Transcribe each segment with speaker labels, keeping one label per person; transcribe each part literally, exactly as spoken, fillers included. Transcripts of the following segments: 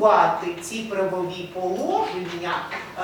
Speaker 1: реалізувати ці правові положення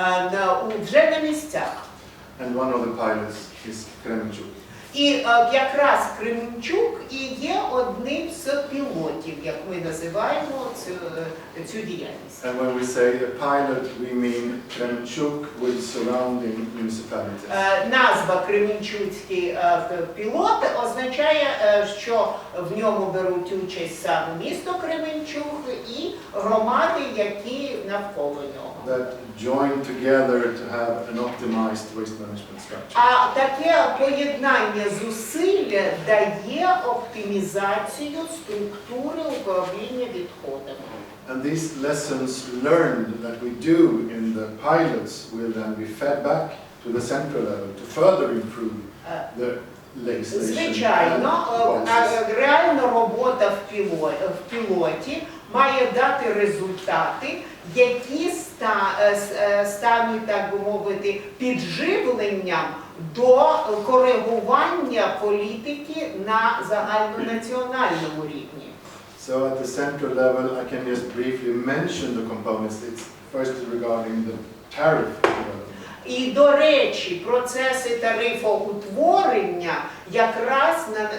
Speaker 1: вже на місцях.
Speaker 2: And one of the pilots is Kremenchuk.
Speaker 1: І якраз Кременчук і є одним з пілотів, як ми називаємо цю, цю діяльність.
Speaker 2: And when we say a pilot, we mean Kremenchuk with surrounding municipalities.
Speaker 1: Назва Кременчуцький пілот означає, що в ньому беруть участь саме місто Кременчук і громади, які навколо нього.
Speaker 2: That join together to have an optimized waste management structure.
Speaker 1: А таке поєднання зусиль дає оптимізацію структури управління відходами.
Speaker 2: And these lessons learned that we do in the pilots will then be fed back to the central level to further improve the legislation.
Speaker 1: Звичайно, реальна робота в пілоті, в пілоті має дати результати, які стануть, так би мовити, підживленням до коригування політики на загальнонаціональному рівні.
Speaker 2: So at the central level, I can just briefly mention the components. It's first regarding the tariff development.
Speaker 1: І, до речі, процеси тарифоутворення, якраз,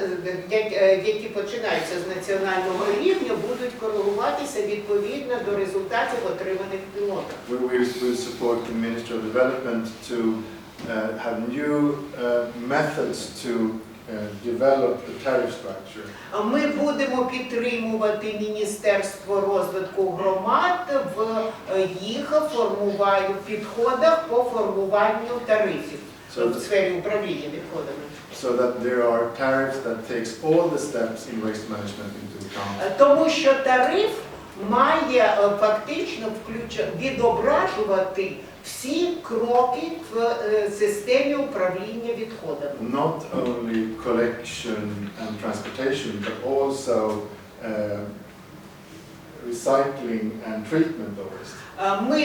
Speaker 1: які починаються з національного рівня, будуть коригуватися відповідно до результатів, отриманих пілотом.
Speaker 2: We will support the Ministry of Development to uh, have new uh, methods to uh, develop the tariff structure.
Speaker 1: Ми будемо підтримувати Міністерство розвитку громад в їх формуванні, підходах по формуванню тарифів
Speaker 2: So
Speaker 1: в сфері управління відходами.
Speaker 2: So that there are tariffs that takes all the steps in waste management into account.
Speaker 1: Тому що тариф має фактично включ... відображувати всі кроки в системі управління відходами.
Speaker 2: Not only collection and transportation, but also uh, recycling and treatment of waste.
Speaker 1: Ми,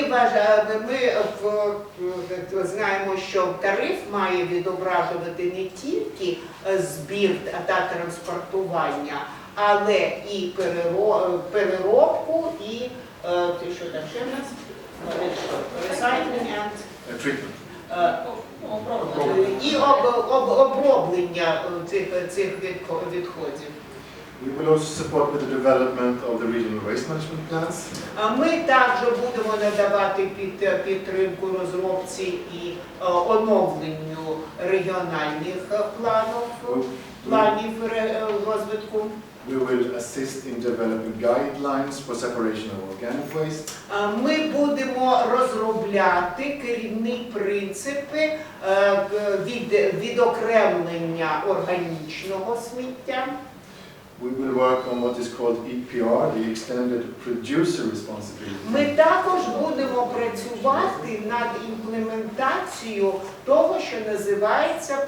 Speaker 1: ми знаємо, що тариф має відображувати не тільки збір та транспортування, але і переробку, і що там ще в нас? Recycling and
Speaker 2: treatment.
Speaker 1: І оброблення цих, цих відходів.
Speaker 2: We will also support with the development of the regional waste management plans.
Speaker 1: Ми також будемо надавати під, підтримку розробці і оновленню регіональних планів, планів розвитку.
Speaker 2: We will assist in developing guidelines for separation of organic waste.
Speaker 1: Ми будемо розробляти керівні принципи від, відокремлення органічного сміття.
Speaker 2: We will work on what is called E P R, the Extended Producer Responsibility.
Speaker 1: Ми також будемо працювати над імплементацією того, що називається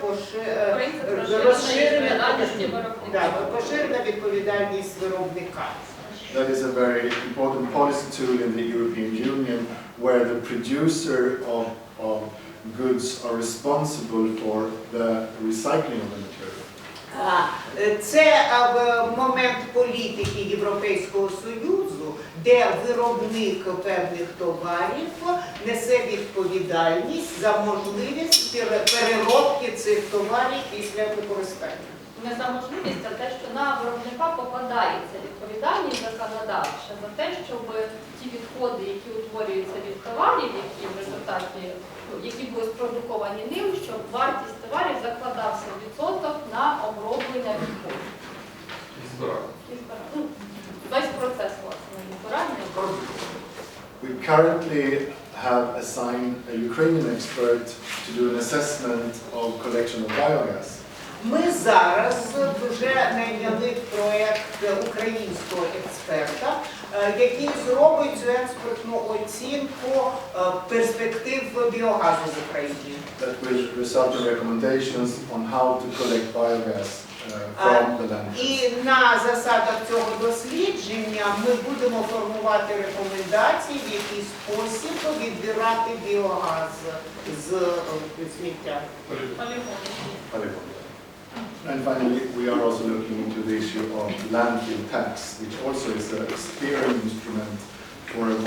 Speaker 1: поширена відповідальність виробника.
Speaker 2: That is a very important policy tool in the European Union, where the producer of, of goods are responsible for the recycling of the material.
Speaker 1: Це момент політики Європейського Союзу, де виробник певних товарів несе відповідальність за можливість переробки цих товарів після використання.
Speaker 3: Не за можливість, а те, що на виробника покладається відповідальність законодавча за те, щоб ті відходи, які утворюються від товарів, які в результаті, які були спродуковані ним, щоб вартість товарів закладався відсоток на оброблення відходів.
Speaker 4: І збирання.
Speaker 3: І збирання. Ну, весь процес, власне, збирання.
Speaker 2: We currently have assigned a Ukrainian expert to do an assessment of collection of biogas.
Speaker 1: Ми зараз вже найняли проєкт українського експерта, який зробить цю експертну оцінку перспектив біогазу в Україні.
Speaker 2: That will result in recommendations on how to collect biogas uh, from the landfill.
Speaker 1: І на засадах цього дослідження ми будемо формувати рекомендації, в який спосіб відбирати біогаз з сміття.
Speaker 2: Polygons. And finally, we are also looking into the issue of landfill tax, which also is a steering instrument for a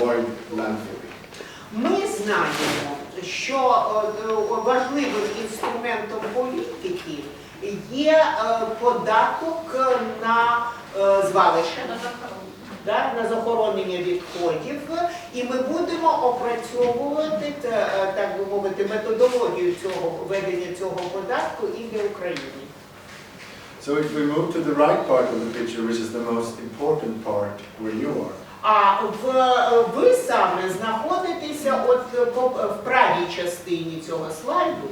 Speaker 2: landfilling.
Speaker 1: Ми знаємо, що е, важливим інструментом політики є е, податок на е, звалища,
Speaker 3: На захоронення.
Speaker 1: да, на захоронення відходів, і ми будемо опрацьовувати, та, е, так би мовити, методологію цього введення цього податку і для України.
Speaker 2: So if we move to the right part of the picture, which is the most important part where you are,
Speaker 1: А в, ви саме знаходитеся от по- в правій частині цього слайду.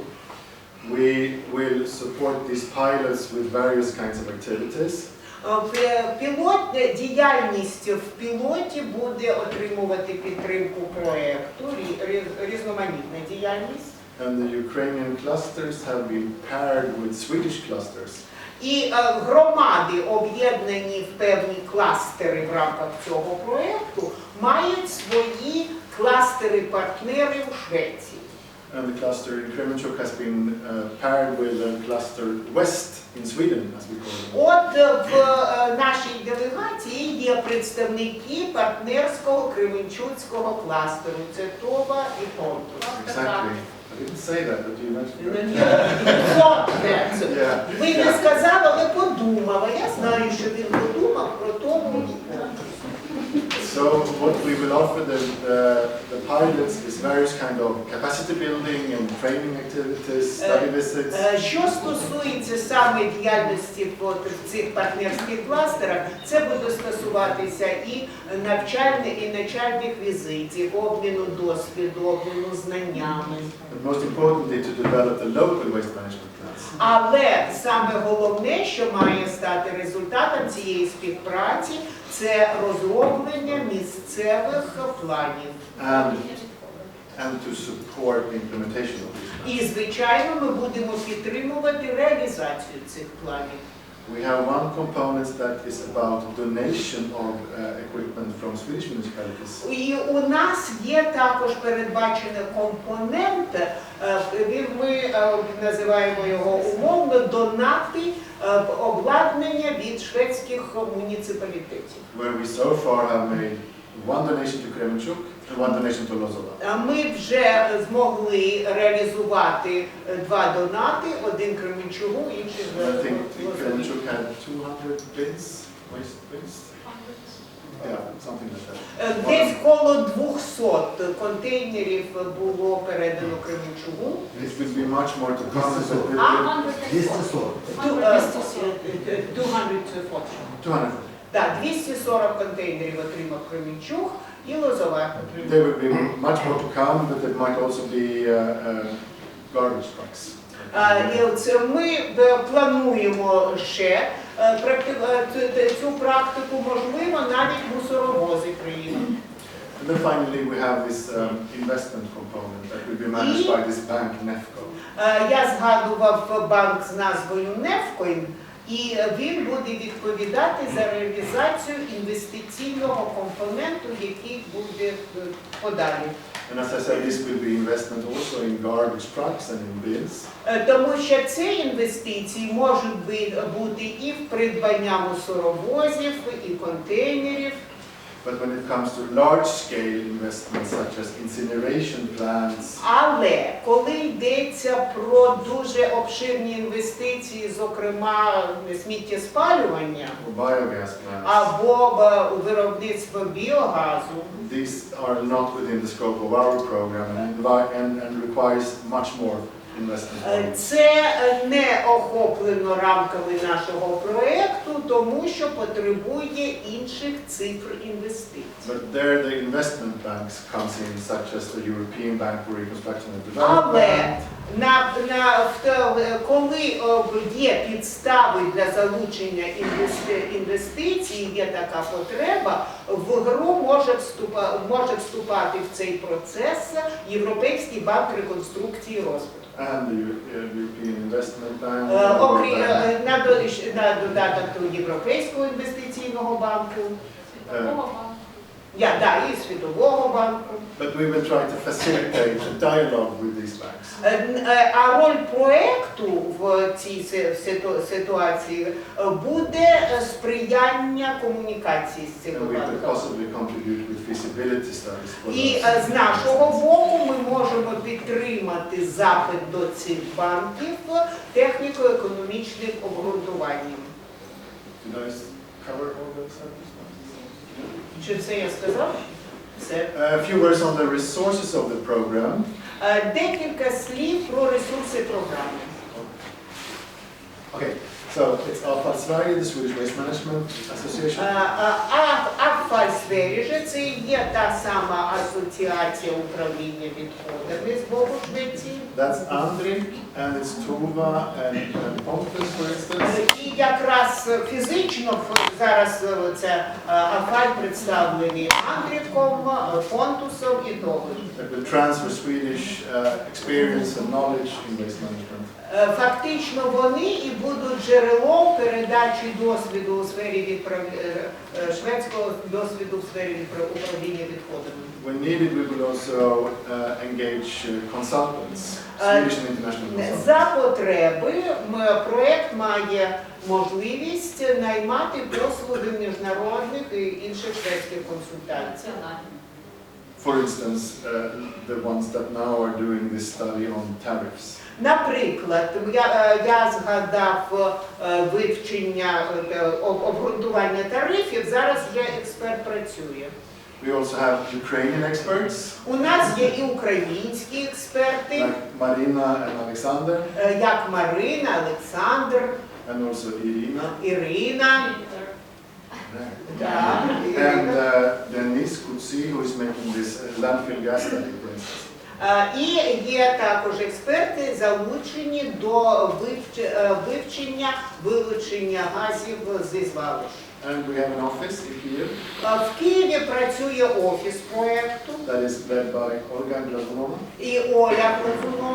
Speaker 2: we will support these pilots with various kinds of activities.
Speaker 1: Е, Пілот, діяльність в пілоті буде отримувати підтримку проєкту, рі- рі- різноманітна діяльність.
Speaker 2: And the Ukrainian clusters have been paired with Swedish clusters.
Speaker 1: І е, громади, об'єднані в певні кластери в рамках цього проєкту, мають свої кластери-партнери у Швеції.
Speaker 2: And the cluster in Kremenchuk has been uh, paired with the cluster West in Sweden, as we call it.
Speaker 1: От е, в е, нашій делегації є представники партнерського Кременчуцького кластеру. Це Това і Понтус.
Speaker 2: Exactly. I didn't say that, but you mentioned that.
Speaker 1: Понтус.
Speaker 2: Yeah.
Speaker 1: Ви не
Speaker 2: yeah.
Speaker 1: сказали, але подумала. Я знаю, що він подумав про Тому і Понтус.
Speaker 2: So what we will offer the, the, the pilots is various kind of capacity building and training activities, study visits.
Speaker 1: Е, Що стосується саме діяльності от в цих партнерських кластерах, це буде стосуватися і навчальних, і навчальних візитів, обміну досвіду, обміну знаннями.
Speaker 2: But most importantly, to develop the local waste management plans.
Speaker 1: Але саме головне, що має стати результатом цієї співпраці, це розроблення місцевих планів.
Speaker 2: And, and to support the implementation of these plans.
Speaker 1: І, звичайно, ми будемо підтримувати реалізацію цих планів.
Speaker 2: We have one component that is about donation of uh, equipment from Swedish municipalities.
Speaker 1: І у нас є також передбачений компонент, е, він- ми е, називаємо його умовно донати е, обладнання від шведських муніципалітетів.
Speaker 2: Where we so far have made one donation to Kremenchuk and one donation to Lozova.
Speaker 1: Е, Ми вже змогли реалізувати е, два донати, один Кременчугу, інший
Speaker 2: I
Speaker 1: з
Speaker 2: think
Speaker 1: Лозові.
Speaker 2: Kremenchuk had two hundred bins, waste bins. Yeah, something like that.
Speaker 1: Е, Десь коло двохсот контейнерів було передано Кременчугу.
Speaker 2: It will be much more to come. But we
Speaker 1: А?
Speaker 2: will-
Speaker 4: двести сорок.
Speaker 1: Ту- е, е, двісті сорок.
Speaker 2: two hundred.
Speaker 1: Так, двісті сорок контейнерів отримав Кременчуг і Лозова отримав.
Speaker 2: There will be much more to come, but there might also be uh, uh, garbage trucks.
Speaker 1: А, і це ми е, плануємо ще е, практи- е, цю- цю- цю практику, можливо, навіть мусоровози приїдуть.
Speaker 2: And then finally, we have this um, investment component that will be managed by this bank, Nefco.
Speaker 1: Е, Я згадував банк з назвою Нефкоін, і він буде відповідати за реалізацію інвестиційного компоненту, який буде е, подалі.
Speaker 2: And as I said, this will be investment also in garbage trucks and in bins.
Speaker 1: Е, Тому що ці інвестиції можуть би- бути і в придбання мусоровозів, і контейнерів.
Speaker 2: But when it comes to large-scale investments such as incineration plants,
Speaker 1: Але коли йдеться про дуже обширні інвестиції, зокрема сміттєспалювання
Speaker 2: or biogas plants,
Speaker 1: або е, виробництво біогазу,
Speaker 2: these are not within the scope of our program and, invi- and, and requires much more investment.
Speaker 1: е, це е, не охоплено рамками нашого проєкту, тому що потребує інших цифр інвестицій.
Speaker 2: But there the investment banks comes in, such as the European Bank for Reconstruction and
Speaker 1: Але
Speaker 2: Development,
Speaker 1: на, на, в те- коли е, є підстави для залучення інвести- інвестицій, є така потреба, в гру може, вступа, може вступати в цей процес Європейський банк реконструкції і розвитку.
Speaker 2: and the Eu- uh, European Investment Bank,
Speaker 1: Е,
Speaker 2: the World
Speaker 1: окрім-
Speaker 2: Bank.
Speaker 1: е, на, до- на додаток до Європейського інвестиційного банку.
Speaker 3: Світового банку.
Speaker 1: Я, да, і Світового банку.
Speaker 2: But we will try to facilitate a dialogue with these banks.
Speaker 1: Е, е, А роль проекту в цій си- ситу- ситуації е, буде е, сприяння комунікації з
Speaker 2: And
Speaker 1: цими
Speaker 2: we could
Speaker 1: банками.
Speaker 2: possibly contribute with feasibility studies for
Speaker 1: І
Speaker 2: those.
Speaker 1: е, з нашого боку ми можемо підтримати запит до цих банків техніко-економічним обґрунтуванням.
Speaker 2: Did I s- cover all those subjects?
Speaker 1: Чи все я сказав? Все.
Speaker 2: A few words on the resources of the program.
Speaker 1: Е, Декілька слів про ресурси програми.
Speaker 2: Okay, so it's Avfall Sverige, the Swedish Waste Management Association.
Speaker 1: Авфальсверіже це є та сама асоціація управління відходами з боку Швеції.
Speaker 2: That's Andrik, and it's Tova and, and Pontus, for instance.
Speaker 1: І якраз фізично ф- зараз е, це е, Авфаль представлений Андріком, е, Понтусом і Товою.
Speaker 2: That will transfer Swedish uh, experience and knowledge in waste management.
Speaker 1: Е, Фактично вони і будуть джерелом передачі досвіду у сфері відправ- е, е, шведського досвіду в сфері відпра- управління відходами.
Speaker 2: When needed, we will also uh, engage uh, consultants,
Speaker 1: Uh,
Speaker 2: Swedish and international consultants.
Speaker 1: За потреби м, проект має можливість наймати послуги міжнародних і інших шведських консультантів.
Speaker 3: Національні.
Speaker 2: For instance, uh, the ones that now are doing this study on tariffs.
Speaker 1: Наприклад, я, е, я згадав е, вивчення е, об- обґрунтування тарифів, зараз вже експерт працює.
Speaker 2: We also have Ukrainian experts,
Speaker 1: У нас є і українські експерти,
Speaker 2: like Marina and Alexander,
Speaker 1: е, як Марина, Олександр,
Speaker 2: and also Irina.
Speaker 1: Ірина. Да,
Speaker 2: And
Speaker 1: Ірина.
Speaker 2: uh, Denis Kutsi, who is making this uh, landfill gas study, for instance.
Speaker 1: Е, І є також експерти, залучені до вивч- е, вивчення вилучення газів зі звалищ.
Speaker 2: And we have an office in Kiev
Speaker 1: Е, В Києві працює офіс проєкту,
Speaker 2: that is led by Olga Glazunova.
Speaker 1: і Оля Прозунова